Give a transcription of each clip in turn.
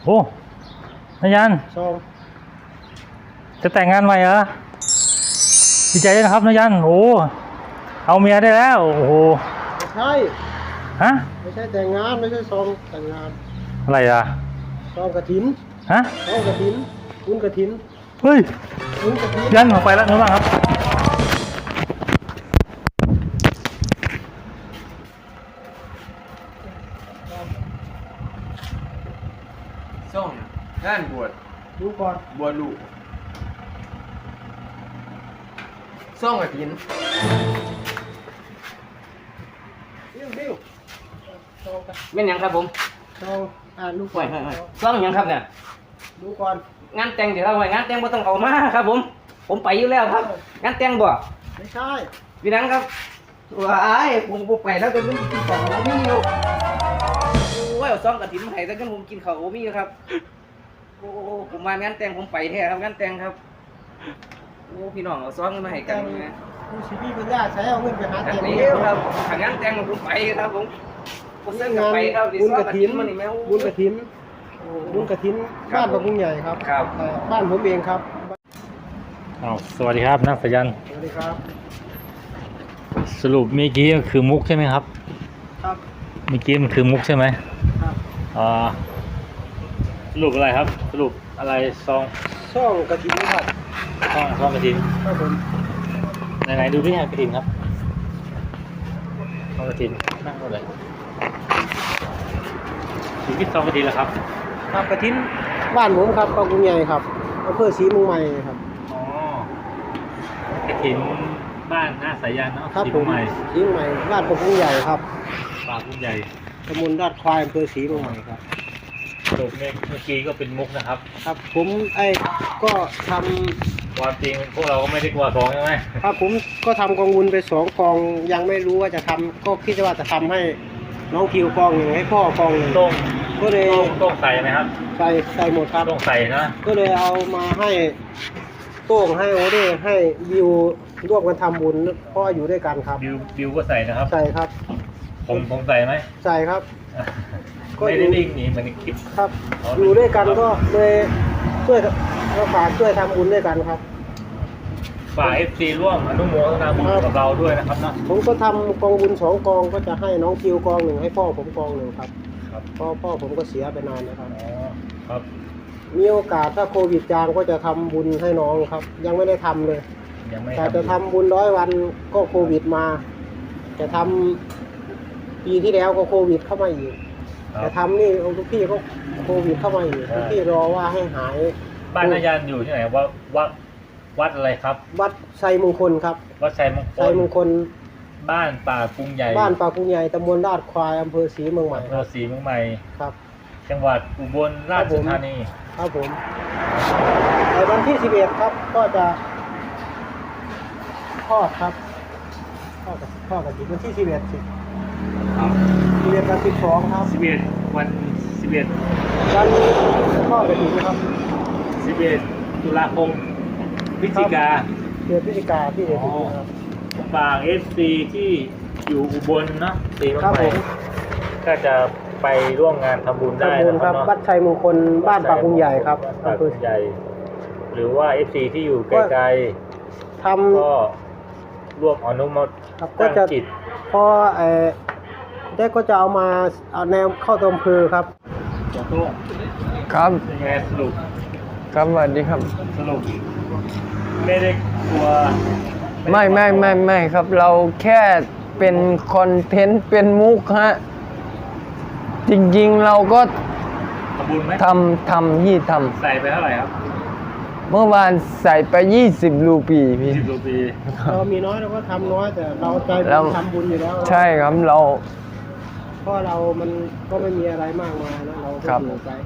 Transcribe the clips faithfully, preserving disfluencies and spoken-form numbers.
โอ้นายันซองจะแต่งงานใหม่เหรอดีใจด้วยนะครับนายันโอ้เอาเมียได้แล้วโอ้โหไม่ใช่ฮะไม่ใช่แต่งงานไม่ใช่ซองแต่งงานอะไรอ่ะซองกระถินฮะซองกระถินบุญกระถินเฮ้ยบุญกระถินยันออกไปแล้วนะบ้างครับส่งงานบวชดูก่อนบวชลูกส่งกระถินบิ้วบิ้วซองกันเป็นยังครับผมซองอ่านดูก่ห่อวน ยห่วยห่วยซ้อมยังครับเนี่ยดูก่อนงานแต่งเดี๋ยวเราห่วยงานแต่งบ่ต้องเอามาครับผมผมไปอยู่แล้วครับงานแต่งบ่ไม่ใช่พี่นังครับว้ายผมบ่ไปแล้วแต่ผมกินข้าวโอมี่อยู่โอ้ยเอาซ้อมกระถิ่นมาให้แต่กันผมกินข้าวโอมี่ครับโอ้ผมมางานแต่งผมไปแท้ครับงานแต่งครับโอ้พี่น้องเอาซ้อมกันมาให้กันนะดูชีวิตปัญญาใช้เอาเงินไปหาแต่เก็บนี้เงินครับทางงานแต่งผมไปครับผมผมเส้นกับงานไปครับบุญกระถินมันนี่แม่บุญกระถินบุญกระถินบ้านพระพุงใหญ่ครับครับเอ่อบ้านผมเองครับอ้าวสวัสดีครับนักสายันสวัสดีครับสรุปเมื่อกี้คือมุกใช่ไหมครับครับเมื่อกี้มันคือมุกใช่ไหมครับอ่าสรุปอะไรครับสรุปอะไรซองช่องกระถินครับซองซองกระถินครับผมไหนๆดูที่กระถินครับซองกระถินนั่งเลยอยู่ที่ซองกระถินแล้วครับครับกระถินบ้านผมครับพระพุงใหญ่ครับอำเภอศรีเมุงใหม่ครับอ๋อกระถินบ้านหน้าสายันเนาะครับสีผมใหม่ศรีเมุงใหม่บ้านพระพุงใหญ่ครับปากพุ่งใหญ่ตำบลลาดควายอำเภอศรีเมุงใหม่ครับสรุปเมื่อกี้ก็เป็นมุกนะครับครับผมไอ้ก็ทำความจริงพวกเราก็ไม่ได้กลัวทองใช่ไหมครับผมก็ทำกองบุญไปสองกองยังไม่รู้ว่าจะทำก็คิดว่าจะทำให้น้องคิวกองหนึ่งให้พ่อกองหนึ่งต้องก็เลยต้องต้องใส่ไหมครับใส่ใส่หมดครับต้องใส่นะก็เลยเอามาให้โต้งให้โอเด้ให้วิวร่วมกันทำบุญเพราะอยู่ด้วยกันครับบิวบิวก็ใส่นะครับใส่ครับผมผมใส่ไหมใส่ครับ ก็ไม่ได้วิ่งหนีเหมือนในคลิปครับอ๋ออยู่ด้วยกันก็เลยช่วยก็ฝากช่วยทำบุญด้วยกันครับฝากเอฟซีร่วมอนุโมทนาบุญกับเราด้วยนะครับเนาะผมก็ทำกองบุญสองกองก็จะให้น้องคิวกองหนึ่งให้พ่อผมกองหนึ่งครับครับเพราะพ่อผมก็เสียไปนานนะครับอ๋อครับมีโอกาสถ้าโควิดจางก็จะทำบุญให้น้องครับ ยังไม่ได้ทำเลยยังไม่แต่จะทำบุญร้อยวันก็โควิดมา จะทำปีที่แล้วก็โควิดเข้ามาอีกครัจะบทำนี่ทุกพี่ก็โควิดเข้ามาอีกทุกพี่รอว่าให้หายบ้านนายันอยู่ที่ไหนว่าวัดวัดอะไรครับวัดไซมงคลครับวัดชัยมงคไซลมงคลบ้านป่ากรุงใหญ่บ้านปากกุงใหญ่ตำบลลาดควายอำเภอศรีเมืองใหม่อำเภครัอบ ศรีเมืองใหม่ครับจังหวัดอุบลราชธานีครับผมในวันที่สิบเอ็ดครับก็จะทอดครับทอดกับทอดกับอีกวันที่สิบเอ็ดสิสิบเอ็ดกับสิบสองครับสิบเอ็ดวันสิบเอ็ดวันทอดกับอีกนะครับสิบเอ็ดตุลาคมพฤศจิกาเดือนพฤศจิกาที่เอ็ดครับฝากเอฟซีที่อยู่อุบลเนาะศรีเมืองครับใหผม่มก็จะไปร่วมงานทำบุญได้ทำบุญนะคครัรับบเนาะวัดชัยมงคลบ้านปากกุงใหญ่ครับปากอำเภกุองใหญ่ หรือว่าเอฟซีที่อยู่ไกลทๆก็ร่วมอนุโมทำครับก็นาจะจิตพอเอ่อได้ก็จะเอามาเอาแนวเข้าตัวอำเภอครับจะโต้งครับยังไงสรุปครับสวัสดีครับสรุปไม่ได้กลัวไม่ไม่ไม่ไม่ครับ เราแค่เป็นคอนเทนต์เป็นมุกฮะ จริงๆเราก็ทำบุญไหมทำทำยี่ทใส่ไปเท่าไหร่ครับำเมื่อวานใส่ไปยี่สิบรูปีพี่สิบรูปีเรามีน้อยเราก็ทำน้อยแต่เราใจเราทำบุญอยู่แล้วใช่ครับเราเพราะเรามันก็ไม่มีอะไรมากมายนะเราก็ครับอยู่ใจ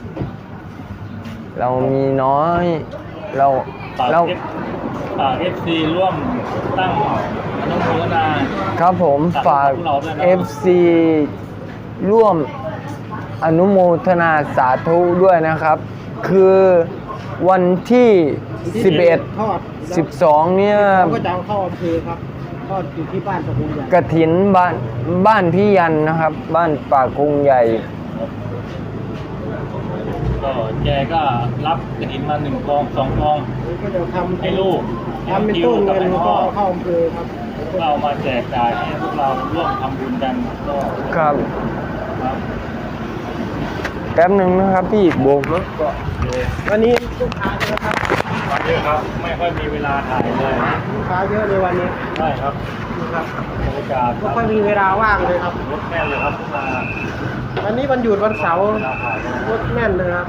เรามีน้อย เราฝากเราเอฟฝากเอฟซีร่วมตั้งอนุโมทนาครับผมฝากพวกเราด้วยนะเอฟซีร่วมอนุโมทนาสาธุด้วยนะครับ คือวันที่สิบเอ็ดทอดสิบสองเนี่ยเราก็จะเอาเข้าอำเภอครับทอดอยู่ที่บ้านตะพุงใหญ่กฐินบ้านบ้านพี่ยันนะครับ บ้านป่ากรุงใหญ่ฝก็แกก็รับกระถินมาหนึ่งกองสองกองนี่ก็จะทำให้ลูกทำเป็นต้นเงินแล้วก็เอาเข้าอำเภอครับเรามาแจกจ่ายให้พวกเราร่วมทำบุญกันก็ครับครับแป๊บหนึ่งนะครับพี่โบกรถก่อนวันนี้ลูกค้าเยอะครับวันนี้ครับไม่ค่อยมีเวลาถ่ายเลยลูกค้าเยอะในวันนี้ใช่ครับนะครับบรรยากาศไม่ค่อยมีเวลาว่างเลยครับรถแน่นเลยครับพวกมาวันนี้วันหยุดวันเสาร์เวลาถ่ายกันรถแน่นเลยครับ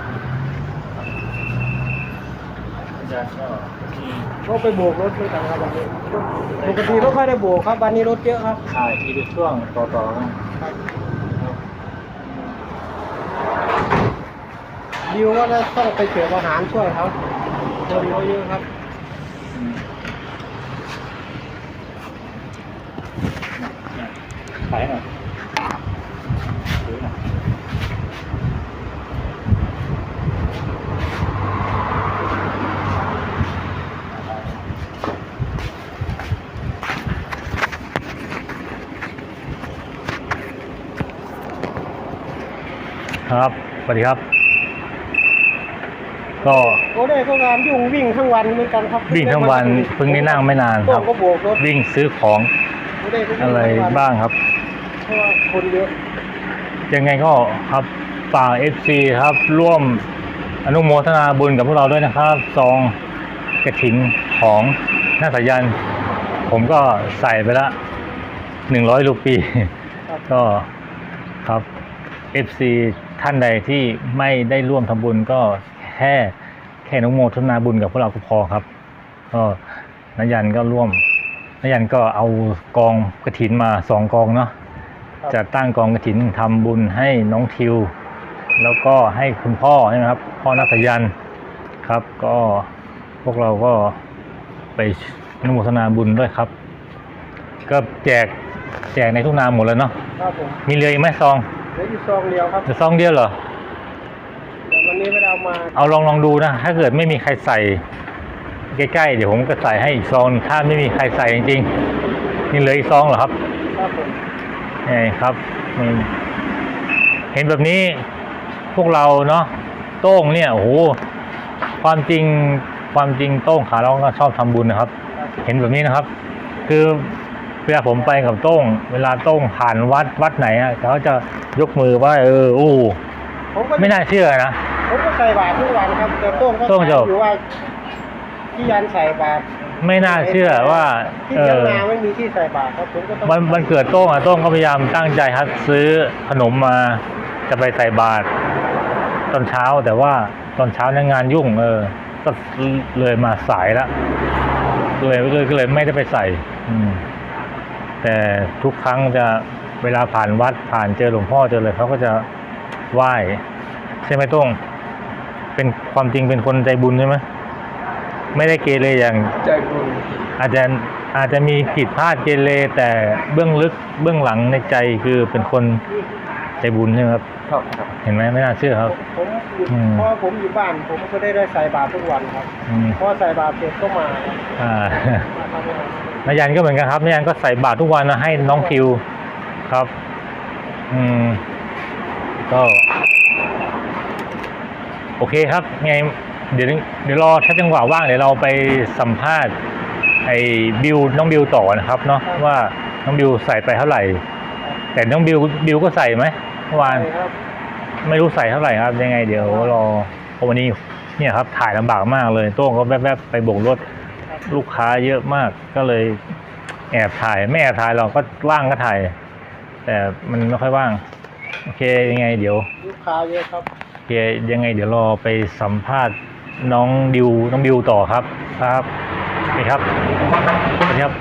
อาจารย์ก็มีก็ไปโบกรถด้วยกันครับวันนี้ปกติไม่ค่อยได้โบกครับวันนี้รถเยอะครับถ่ายทีละช่วงต่อๆกันดิวก็ต้องไปเสิร์ฟอาหารช่วยเขาคนเขาเยอะครับอืมขายหน่อยซื้อหน่อยครับสวัสดีครับ ก็โอ้ได้ก็งานยุ่งวิ่งทั้งวันเหมือนกันครับวิ่งทั้งวันเพิ่งได้นั่งไม่นานครับก็โบกรถวิ่งซื้อของโอ้ได้ก็วิ่งอะไรทั้วันบ้างครับเพราะว่าคนเยอะยังไงก็ครับฝาก เอฟ ซี ครับร่วมอนุโมทนาบุญกับพวกเราด้วยนะครับซองกระถินของหน้าสายัน ผมก็ใส่ไปละหนึ่งร้อยรูปีครับก็ครับ เอฟ ซี ท่านใดที่ไม่ได้ร่วมทำบุญก็แค่แค่อนุโมทนาบุญกับพวกเราก็พอครับ ก็นายันก็ร่วมนายันก็เอากองกระถินมาสองกองเนาะ จะตั้งกองกฐินทำบุญให้น้องทิว แล้วก็ให้คุณพ่อใช่ไหมครับ พ่อนักสายันครับ ก็พวกเราก็ไปอนุโมทนาบุญด้วยครับ ก็แจกแจกในทุกนามหมดแล้วเนาะครับผมมีเหลืออีกไหมซองเหลืออยู่ซองเดียวครับจะซองเดียวเหรอแต่วันนี้ไม่ได้เอามาเอาลองลองดูนะ ถ้าเกิดไม่มีใครใส่ใกล้ๆเดี๋ยวผมก็ใส่ให้อีกซองถ้าไม่มีใครใส่จริงๆนี่เหลืออีกซองเหรอครับครับผมนี่ครับนี่เห็นแบบนี้พวกเราเนาะโต้งเนี่ยโอ้โหความจริงความจริงโต้งขาเราก็ชอบทำบุญนะครับ เห็นแบบนี้นะครับ คือเวลาผมไปกับโต้ง เวลาโต้งผ่านวัดวัดไหนอ่ะเขาจะยกมือไหว่าเออโอ้ผมก็ไม่น่าเชื่อนะผมก็ใส่บาตรทุกวันครับแต่โต้งก็โต้งจะถามอยู่ว่าที่ยันใส่บาตรไม่น่าเชื่อว่าที่เอเชียงอนาไม่มีที่ใส่บาตรครับผมก็ต้องวันวันเกิดโต้งอ่ะโต้งก็พยายามตั้งใจครับซื้อขนมมาจะไปใส่บาตรตอนเช้าแต่ว่าตอนเช้าเนี่ยงานยุ่งเออ ก็เลยมาสายละเลยเลยก็เลยไม่ได้ไปใส่ อืม แต่ทุกครั้งจะเวลาผ่านวัดผ่านเจอหลวงพ่อเจอเลยเขาก็จะไหว้ใช่ไหมโต้งเป็นความจริงเป็นคนใจบุญใช่ไหมไม่ได้เกเรอย่างใจบุญอาจจะอาจจะมีผิดพลาดเกเรแต่เบื้องลึกเบื้องหลังในใจคือเป็นคนใจบุญใช่ไหมครับครับครับเห็นไหมไม่น่าเชื่อครับผมอยู่อืมเพราะผมอยู่บ้านผมก็ได้ได้ใส่บาตรทุกวันครับอืมพอใส่บาตรเสร็จก็มาครับอ่ามาทำงานนายันก็เหมือนกันครับนายันก็ใส่บาตรทุกวันนะให้น้องคิวครับ อืม ก็ โอเคครับไงเดี๋ยวเดี๋ยวรอถ้าจังหวะว่างเดี๋ยวเราไปสัมภาษณ์ไอ้บิวน้องบิวต่อนะครับเนาะว่าน้องบิวใส่ไปเท่าไหร่ แต่น้องบิวบิวก็ใส่ไหมเมื่อวานใช่ครับไม่รู้ใส่เท่าไหร่ครับ ยังไงเดี๋ยวรอเพราะวันนี้เนี่ยครับถ่ายลำบากมากเลยโต้งก็แวบๆไปโบกรถลูกค้าเยอะมากก็เลยแอบถ่ายไม่แอบถ่ายเราก็ว่างก็ถ่าย แต่มันไม่ค่อยว่าง โอเคยังไงเดี๋ยวลูกค้าเยอะครับโอเคยังไงเดี๋ยวรอไปสัมภาษณ์น้องดิวน้องบิวต่อครับครับนี่ครับสวัสดีครับ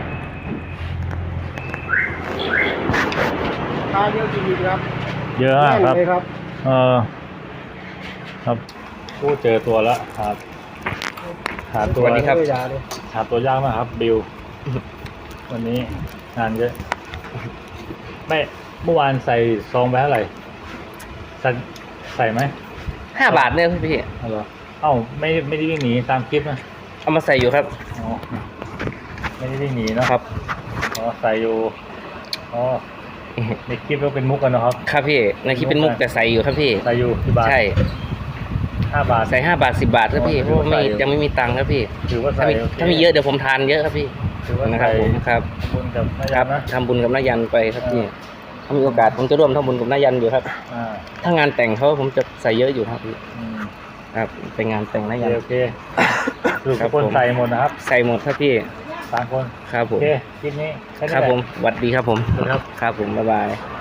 ลูกค้าเยอะจริงๆครับเยอะมากครับแน่นเลยครับเออครับพูดเจอตัวแล้วครับหาตัวสวัสดีครับยาเลยหาตัวยากมากครับบิว วันนี้งานเยอะไม่เมื่อวานใส่ซองไปเท่าไหร่ใส่ใส่ไหมห้าบาทเนี่ยพี่เอาเหรอเอ้าไม่ไม่ได้วิ่งหนีตามคลิปนะเอามาใส่อยู่ครับอ๋อไม่ได้วิ่งหนีเนอะครับอ๋อใส่อยู่อ๋อในคลิปก็เป็นมุกกันเนอะครับครับพี่ในคลิปเป็นมุกแต่ใส่อยู่ครับพี่ใส่อยู่ที่บ้านใช่หห้าบาทใส่ห้าบาทสิบบาทครับพี่เพถือราะว่าว่าไม่ใส่ยังไม่มีตังค์ครับพี่ถือว่าถ้าใส่มีโคถ้ามีเยอะเดี๋ยวผมทานเยอะครับพี่ถือว่านะครับใส่ผมครับบุญกับนาคยัรันบนะทำบุญกับนายันไปครับพี่เออถ้ามีโอกาสผมจะร่วมทำบุญกับนายันอยู่ครับอ่าถ้างานแต่งเขาผมจะใส่เยอะอยู่ครับพี่อืมครับเป็นงานแต่งนาโอเคยันโอเคสรุปครัทุบกคนผมใส่หมดนะครับใส่หมดครับพี่สามคนครับผโอมเคคลิปนี้แนี้ครับแหละผมสวัสดีครับผมสวัสดีครับครับผมบ๊ายบาย